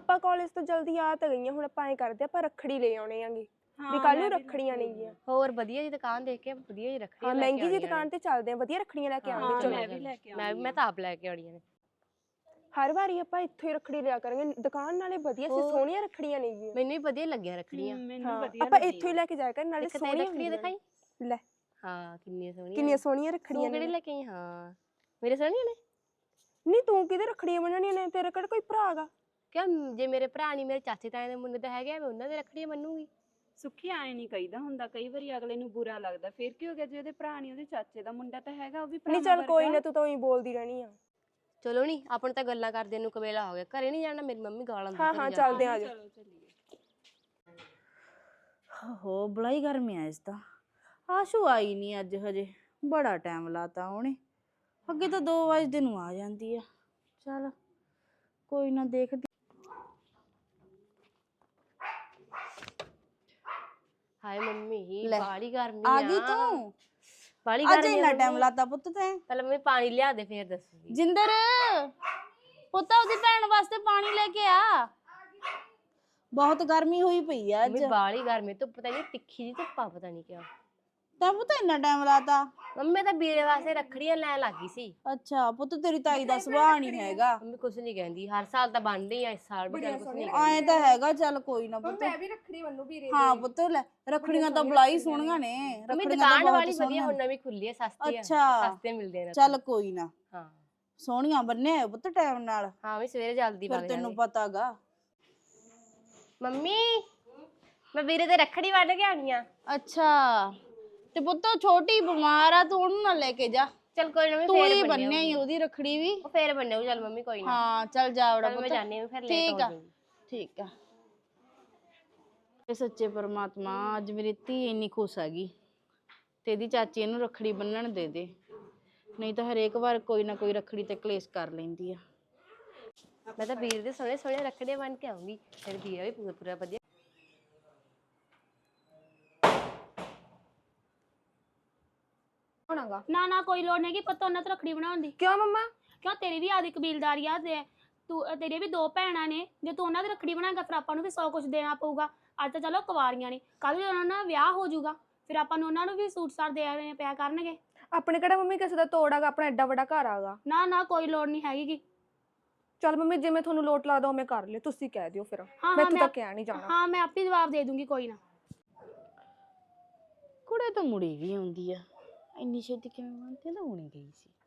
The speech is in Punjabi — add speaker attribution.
Speaker 1: ਆਪਾਂ ਕਾਲਜ ਤੋਂ ਜਲਦੀ ਆ ਤਾਂ ਗਈਆਂ, ਹੁਣ ਆਪਾਂ ਐ ਕਰਦੇ ਆਪਾਂ ਰੱਖੜੀ ਲੈ ਆਉਣੇ ਆਂਗੇ ਵੀ ਕੱਲ ਨੂੰ ਰੱਖੜੀਆਂ ਨੇਗੀਆਂ।
Speaker 2: ਹੋਰ ਵਧੀਆ ਜੀ ਦੁਕਾਨ ਦੇਖ ਕੇ ਵਧੀਆ ਜੀ ਰੱਖੜੀਆਂ
Speaker 1: ਹਾਂ ਮਹਿੰਗੀ ਜੀ ਦੁਕਾਨ ਤੇ ਚੱਲਦੇ ਆ, ਵਧੀਆ ਰੱਖੜੀਆਂ ਲੈ ਕੇ ਆਵਾਂਗੇ।
Speaker 2: ਚਲੋ ਮੈਂ ਤਾਂ ਆਪ ਲੈ ਕੇ ਆਉਣੀਆਂ ਨੇ।
Speaker 1: ਹਰ ਵਾਰੀ ਆਪਾਂ ਇੱਥੋਂ ਹੀ ਰੱਖੜੀ ਲਿਆ ਕਰਾਂਗੇ, ਦੁਕਾਨ ਨਾਲੇ ਵਧੀਆ ਸੀ, ਸੋਹਣੀਆਂ ਰੱਖੜੀਆਂ ਨੇਗੀਆਂ।
Speaker 2: ਮੈਨੂੰ ਵੀ ਵਧੀਆ ਲੱਗੀਆਂ ਰੱਖੜੀਆਂ।
Speaker 1: ਆਪਾਂ ਇੱਥੋਂ ਹੀ ਲੈ ਕੇ ਜਾਇਆ ਕਰ, ਨਾਲੇ ਸੋਹਣੀਆਂ
Speaker 2: ਰੱਖੜੀਆਂ ਦਿਖਾਈ
Speaker 1: ਲੈ।
Speaker 2: ਹਾਂ
Speaker 1: ਕਿੰਨੀਆਂ ਸੋਹਣੀਆਂ ਰੱਖੜੀਆਂ
Speaker 2: ਨੇ। ਕਿਹੜੇ ਲੈ ਕੇ ਆਈ? ਹਾਂ ਮੇਰੇ ਸੋਹਣੀਆਂ ਨੇ।
Speaker 1: ਨਹੀਂ ਤੂੰ ਕਿਹਦੇ ਰੱਖੜੀਆਂ ਬੰਨਣੀਆਂ ਨੇ, ਤੇਰੇ ਕਿਹੜਾ ਕੋਈ ਭਰਾ ਹੈਗਾ?
Speaker 2: ਕਿਉਂ ਜੇ ਮੇਰੇ ਭਰਾ ਨਹੀਂ ਮੇਰੇ ਚਾਚੇ ਤਾਏ ਦੇ ਮੁੰਡੇ ਤਾਂ ਹੈਗੇ, ਮੈਂ ਉਹਨਾਂ ਦੇ ਰੱਖੜੀਆਂ ਮੰਨੂਗੀ।
Speaker 3: ਸੁੱਖੀ ਆਏ ਨਹੀਂ ਕਹੀਦਾ ਹੁੰਦਾ, ਕਈ ਵਾਰੀ ਅਗਲੇ ਨੂੰ ਬੁਰਾ ਲੱਗਦਾ। ਫਿਰ ਕੀ ਹੋ ਗਿਆ ਜੇ ਉਹਦੇ ਭਰਾ ਨਹੀਂ, ਉਹਦੇ ਚਾਚੇ ਦਾ ਮੁੰਡਾ ਤਾਂ ਹੈਗਾ, ਉਹ ਵੀ ਭਰਾ।
Speaker 1: ਨਹੀਂ ਚੱਲ ਕੋਈ ਨਾ, ਤੂੰ ਤਾਂ ਉਹੀ ਬੋਲਦੀ ਰਹਿਣੀ ਆ।
Speaker 2: ਚਲੋ ਨੀ ਆਪਾਂ ਤਾਂ ਗੱਲਾਂ ਕਰਦੇ ਨੂੰ ਕਵੇਲਾ ਹੋ ਗਿਆ, ਘਰੇ ਨਹੀਂ ਜਾਣਾ, ਮੇਰੀ ਮੰਮੀ ਗਾਲਾਂ ਦਿੰਦੀ।
Speaker 1: ਹਾਂ ਚੱਲਦੇ ਆ,
Speaker 3: ਚਲੋ ਚੱਲੀਏ।
Speaker 4: ਹੋ ਬਲਾਈ ਗਰਮੀ ਆ ਇਸ ਤਾਂ। ਆਸ਼ੂ ਆਈ ਨਹੀਂ ਅੱਜ, ਹਜੇ ਬੜਾ ਟਾਈਮ ਲਾਤਾ ਉਹਨੇ। ਅੱਗੇ ਤਾਂ 2 ਵਜੇ ਨੂੰ ਆ ਜਾਂਦੀ ਆ। ਚੱਲ ਕੋਈ ਨਾ, ਦੇਖਦੀ।
Speaker 2: ਹਾਏ ਮੰਮੀ ਬਾਲੀ ਗਰਮੀ
Speaker 4: ਆ ਗਈ ਤੂੰ?
Speaker 2: ਬਾਲੀ
Speaker 4: ਅੱਜ ਇੰਨਾ ਟਾਈਮ ਲਾਤਾ ਪੁੱਤ ਤੈਂ?
Speaker 2: ਪਹਿਲਾਂ ਮੰਮੀ ਪਾਣੀ ਲਿਆ ਦੇ ਫੇਰ ਦੱਸੂਗੀ।
Speaker 4: ਜਿੰਦਰ ਪੁੱਤ ਉਹਦੀ ਭੈਣ ਵਾਸਤੇ ਪਾਣੀ ਲੈ ਕੇ ਆ, ਬਹੁਤ ਗਰਮੀ ਹੋਈ ਪਈ ਆ ਅੱਜ।
Speaker 2: ਮੰਮੀ ਬਾਲੀ ਗਰਮੀ, ਧੁੱਪ ਪਤਾ ਨਹੀਂ ਤਿੱਖੀ ਜੀ ਧੁੱਪਾ, ਪਤਾ ਨਹੀਂ ਕਿਉਂ
Speaker 4: ਤੈਂ ਪੁੱਤ ਇੰਨਾ ਟਾਈਮ ਲਾਤਾ?
Speaker 2: ਮੰਮੀ ਤਾਂ ਵੀਰੇ ਵਾਸਤੇ ਰੱਖੜੀਆਂ ਲੈਣ ਲੱਗੀ ਸੀ।
Speaker 4: ਅੱਛਾ ਪੁੱਤ, ਤੇਰੀ ਤਾਈ ਦਾ ਸੁਭਾਅ ਨਹੀਂ ਹੈਗਾ।
Speaker 2: ਮੰਮੀ ਕੁਛ ਨਹੀਂ ਕਹਿੰਦੀ, ਹਰ ਸਾਲ ਤਾਂ ਬਣਦੀ ਆ, ਇਸ ਸਾਲ ਵੀ ਕੁਛ ਨਹੀਂ
Speaker 4: ਆਏ ਤਾਂ ਹੈਗਾ। ਚੱਲ ਕੋਈ ਨਾ ਪੁੱਤ,
Speaker 1: ਮੈਂ ਵੀ ਰੱਖੜੀ ਬੰਨੂ ਵੀਰੇ।
Speaker 4: ਹਾਂ ਪੁੱਤ ਲੈ, ਰੱਖੜੀਆਂ ਤਾਂ ਬਲਾਈ ਸੋਹਣੀਆਂ ਨੇ।
Speaker 2: ਮੰਮੀ ਦੁਕਾਨ ਵਾਲੀ ਵਧੀਆ ਹੁਣ ਨਵੀਂ ਖੁੱਲੀ ਹੈ, ਸਸਤੀ ਆ, ਸਸਤੇ ਮਿਲਦੇ ਨੇ।
Speaker 4: ਚੱਲ ਕੋਈ ਨਾ,
Speaker 2: ਹਾਂ
Speaker 4: ਸੋਹਣੀਆਂ ਬੰਨੇ ਪੁੱਤ ਟਾਈਮ ਨਾਲ।
Speaker 2: ਹਾਂ ਵੀ ਸਵੇਰੇ ਜਲਦੀ ਵਗ
Speaker 4: ਫਿਰ ਤੈਨੂੰ ਪਤਾਗਾ।
Speaker 2: ਮੰਮੀ ਮੈਂ ਵੀਰੇ ਤੇ ਰੱਖੜੀ ਵੱਢ ਕੇ ਆਣੀ ਆ।
Speaker 4: ਅੱਛਾ ਤੇ ਪੁੱਤ ਛੋਟੀ ਬਿਮਾਰ ਆ, ਤੂੰ ਉਹਨੂੰ ਨਾ ਲੈ ਕੇ ਜਾ।
Speaker 2: ਚੱਲ ਕੋਈ ਨਾ, ਮੈਂ
Speaker 4: ਤੂੰ
Speaker 2: ਫੇਰ
Speaker 4: ਹੀ ਬੰਨਿਆ ਹੀ ਉਹਦੀ ਰੱਖੜੀ ਵੀ।
Speaker 2: ਉਹ ਫੇਰ ਬੰਨੇਉ। ਚੱਲ ਮੰਮੀ ਕੋਈ ਨਾ।
Speaker 4: ਹਾਂ ਚੱਲ ਜਾ ਵੜਾ ਪੁੱਤ,
Speaker 2: ਮੈਂ ਜਾਣੀ ਆ, ਫਿਰ ਲੇਟ
Speaker 4: ਠੀਕ
Speaker 2: ਹੋ
Speaker 4: ਆ
Speaker 2: ਜਾਊਂਗੀ।
Speaker 4: ਠੀਕ ਆ। ਇਹ ਸੱਚੇ ਪਰਮਾਤਮਾ, ਅੱਜ ਮੇਰੀ ਧੀ ਇੰਨੀ ਖੁਸ਼ ਹੈਗੀ ਤੇ ਇਹਦੀ ਚਾਚੀ ਇਹਨੂੰ ਰੱਖੜੀ ਬੰਨਣ ਦੇ ਦੇ, ਨਹੀਂ ਤਾਂ ਹਰੇਕ ਵਾਰ ਕੋਈ ਨਾ ਕੋਈ ਰੱਖੜੀ ਤੇ ਕਲੇਸ਼ ਕਰ ਲੈਂਦੀ ਆ।
Speaker 2: ਮੈਂ ਤਾਂ ਵੀਰ ਦੇ ਸੋਹਣੇ ਸੋਹਣੇ ਰੱਖੜੀਆਂ ਬੰਨ ਕੇ ਆਉਂਗੀ, ਫਿਰ ਵੀਰਾ ਵੀ ਪੂਰਾ ਵਧੀਆ।
Speaker 5: ਨਾ ਨਾ ਕੋਈ ਲੋੜ ਨਹੀਂ ਕਿ ਪਤਾ ਉਹਨਾਂ ਤੋਂ ਰੱਖੜੀ ਬਣਾਉਣ ਦੀ।
Speaker 1: ਕਿਉਂ ਮੰਮਾ?
Speaker 5: ਕਿਉਂ ਤੇਰੀ ਵੀ ਆਦੀ ਕਬੀਲਦਾਰੀ ਆ ਤੇ ਤੂੰ, ਤੇਰੇ ਵੀ 2 ਭੈਣਾਂ ਨੇ, ਜੇ ਤੂੰ ਉਹਨਾਂ ਦੀ ਰੱਖੜੀ ਬਣਾਏਗਾ ਫਿਰ ਆਪਾਂ ਨੂੰ ਵੀ 100 ਕੁਝ ਦੇਣਾ ਪਊਗਾ। ਅੱਜ ਤਾਂ ਚਲੋ ਕੁਵਾਰੀਆਂ ਨੇ, ਕੱਲ ਨੂੰ ਉਹਨਾਂ ਦਾ ਵਿਆਹ ਹੋ ਜਾਊਗਾ, ਫਿਰ ਆਪਾਂ ਨੂੰ ਉਹਨਾਂ ਨੂੰ ਵੀ ਸੂਟ ਸਾਟ ਦੇਣੇ ਪਿਆ ਕਰਨਗੇ।
Speaker 1: ਆਪਣੇ ਕਿਹੜਾ ਮੰਮੀ ਕਿਸੇ ਦਾ ਤੋੜ ਆਗਾ, ਆਪਣਾ ਐਡਾ ਵੱਡਾ ਘਰ ਆਗਾ।
Speaker 5: ਨਾ ਨਾ ਕੋਈ ਲੋੜ ਨਹੀਂ ਹੈਗੀ।
Speaker 1: ਚੱਲ ਮੰਮੀ ਜਿਵੇਂ ਤੁਹਾਨੂੰ ਲੋਟ ਲੱਗਦਾ ਉਵੇਂ ਕਰ ਲਿਓ, ਤੁਸੀਂ ਕਹਿ ਦਿਓ ਫਿਰ, ਮੈਥੋਂ ਤਾਂ ਕਹਿ ਨਹੀਂ ਜਾਣਾ।
Speaker 5: ਹਾਂ ਮੈਂ ਆਪੇ ਜਵਾਬ ਦੇ ਦੂੰਗੀ, ਕੋਈ ਨਾ।
Speaker 4: ਕੁੜੇ ਤਾਂ ਮੁੜੀ ਵੀ ਆਉਂਦੀ ਆ, ਇੰਨੀ ਛੇਤੀ ਕਿਵੇਂ ਮੰਨਦੀ? ਤਾਂ ਹੁਣੀ ਗਈ ਸੀ।